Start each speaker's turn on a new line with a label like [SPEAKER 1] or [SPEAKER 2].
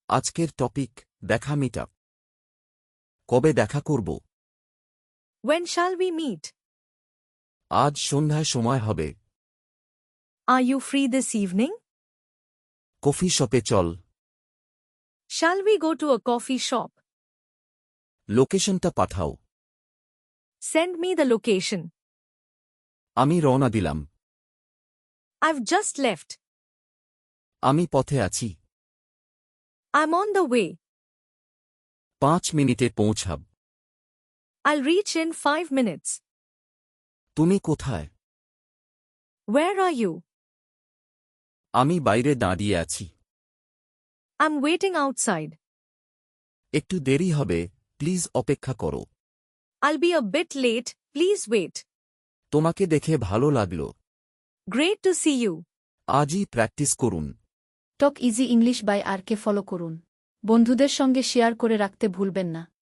[SPEAKER 1] আজকের টপিক দেখা মিটআপ। কবে দেখা করব?
[SPEAKER 2] When shall we meet?
[SPEAKER 1] আজ সন্ধ্যায় সময় হবে।
[SPEAKER 2] Are you free this evening?
[SPEAKER 1] Coffee শপে চল।
[SPEAKER 2] Shall we go to a coffee shop?
[SPEAKER 1] লোকেশনটা পাঠাও।
[SPEAKER 2] Send me the location.
[SPEAKER 1] আমি রওনা দিলাম।
[SPEAKER 2] I've just left.
[SPEAKER 1] আমি পথে আছি।
[SPEAKER 2] I'm on the way.
[SPEAKER 1] 5 মিনিটে পৌঁছাব।
[SPEAKER 2] I'll reach in 5 minutes.
[SPEAKER 1] তুমি কোথায়?
[SPEAKER 2] Where are you?
[SPEAKER 1] আমি বাইরে দাঁড়িয়ে আছি।
[SPEAKER 2] I'm waiting outside.
[SPEAKER 1] একটু দেরি হবে, প্লিজ অপেক্ষা করো।
[SPEAKER 2] I'll be a bit late, please wait.
[SPEAKER 1] তোমাকে দেখে ভালো লাগলো।
[SPEAKER 2] Great to see you.
[SPEAKER 1] আজই প্র্যাকটিস করুন।
[SPEAKER 3] Talk easy English by RK follow করুন। বন্ধুদের সঙ্গে শেয়ার করে রাখতে ভুলবেন না।